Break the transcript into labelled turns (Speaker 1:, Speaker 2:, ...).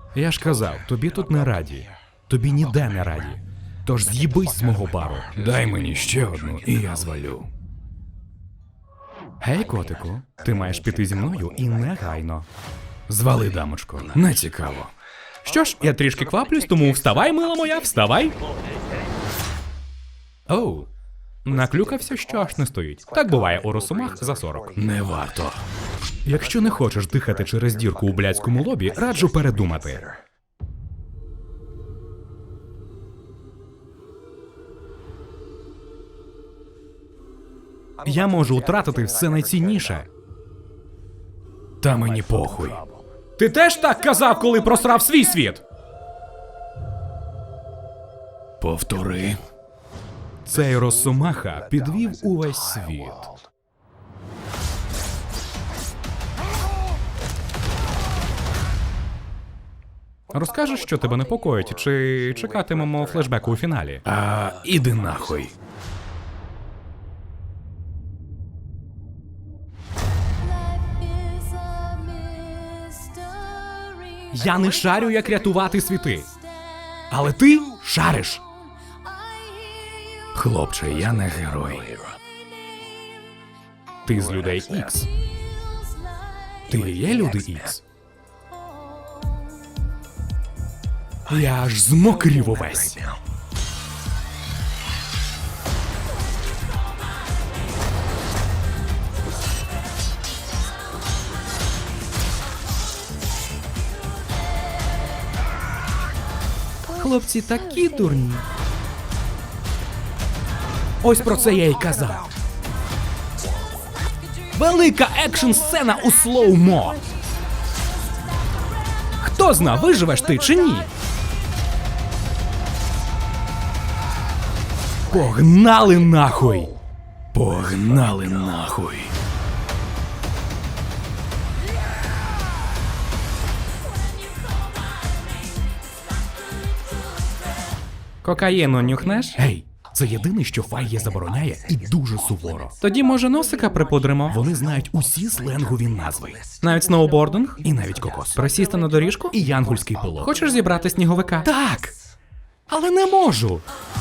Speaker 1: Я ж казав, тобі тут не раді. Тобі ніде не раді. Тож з'їбись з мого бару.
Speaker 2: Дай мені ще одну, і я звалю.
Speaker 1: Гей, котику, ти маєш піти зі мною і негайно.
Speaker 2: Звали, дамочко, не цікаво.
Speaker 1: Що ж, я трішки кваплюсь, тому вставай, мила моя, вставай. Оу, наклюкався, що аж не стоїть. Так буває у росомах за 40.
Speaker 2: Не варто.
Speaker 1: Якщо не хочеш дихати через дірку у блядському лобі, раджу передумати. Я можу втратити все найцінніше.
Speaker 2: Та мені похуй.
Speaker 1: Ти теж так казав, коли просрав свій світ?
Speaker 2: Повтори.
Speaker 1: Цей росомаха підвів увесь світ. Розкажеш, що тебе непокоїть, чи чекатимемо флешбеку у фіналі?
Speaker 2: А іди нахуй.
Speaker 1: Я не шарю, як рятувати світи. Але ти шариш.
Speaker 2: Хлопче, я не герой.
Speaker 1: Ти з людей Ікс. Ти є люди Ікс. Я аж змокрів увесь. Хлопці такі дурні. Ось про це я й казав. Велика екшн-сцена у слоумо. Хто зна, виживеш ти чи ні? Погнали нахуй!
Speaker 2: Погнали нахуй.
Speaker 1: Кокаїну нюхнеш? Гей, це єдине, що Файє забороняє, і дуже суворо. Тоді, може, носика припудримо? Вони знають усі сленгові назви. Навіть сноубординг? І навіть кокос. Присісти на доріжку? І янгольський пилот. Хочеш зібрати сніговика? Так! Але не можу!